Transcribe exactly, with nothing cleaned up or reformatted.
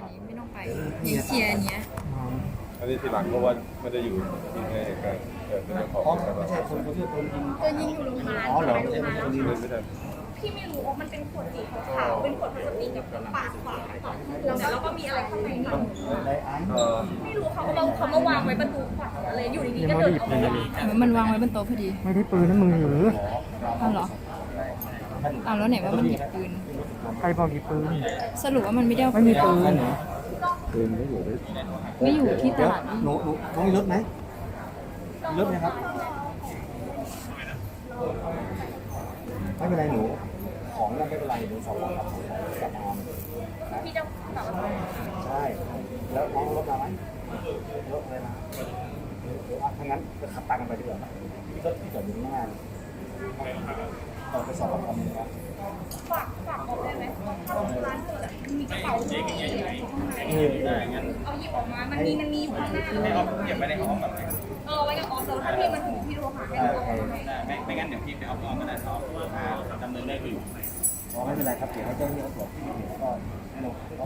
อันนี้ไม่ต้องไปยิงเคลียร์อันเนี้ยอันนี้ทีหลังเพราะว่าไม่ได้อยู่ที่ในเหตุการณ์แต่เป็นเจ้าของอ๋อใช่ไม่ปะใช่คนคนที่โดนยิงตัวยิงอยู่โรงพยาบาลอ๋อเหรอไปโรงพยาบาลไม่ได้ไม่ได้พี่ไม่รู้ว่ามันเป็นขวดสีขาวๆเป็นขวดพลาสติกกับปากขวาแล้วแล้วก็มีอะไรข้างในนี่ไดไอซ์เออไม่รู้เขาก็มาเขามาวางไว้ประตูขวาอะไรอยู่ดีๆก็เดินออกมาเหมือนมันวางไว้บนโต๊ะพอดีไม่ได้ปืนนั่นมือหรืออ้าวเหรออ้าวแล้วไหนว่ามันหยิบปืนใครบอกหยิบปืนสรุปว่ามันไม่ได้เอาไม่มีปืนปืนไม่อยู่ด้วยไม่อยู่ที่ตลาดหนูหนูน้องมีรถไหมมีรถไหมครับไม่เป็นไรหนูของเราไม่เป็นไรหนูสอบกับกับอามนะพี่จะตอบว่าใช่แล้วน้องรถมาไหมรถอะไรมาเดี๋ยวอ่ะถ้างั้นก็ขับตามกันไปดีกว่าพี่รถที่จอดอยู่ข้างหน้าเราไปสอบกับคำนี้ครับฝากฝากบอกได้ไหมถ้าร้านเปิดมีกระเป๋าอยู่ข้างในเอาหยิบออกมามันมีมันมีอยู่ข้างหน้าเลยเก็บไว้ในห้องแบบไหนเออไว้กับออสแล้วถ้าพี่มาถึงพี่โทรหาให้เราเอาให้ไม่ไม่งั้นเดี๋ยวพี่ไปเอาห้องก็ได้เขาดำเนินได้อยู่อ๋อไม่เป็นไรครับเดี๋ยวให้เจ้าหน้าที่เขาตรวจที่เห็นก็ให้เรา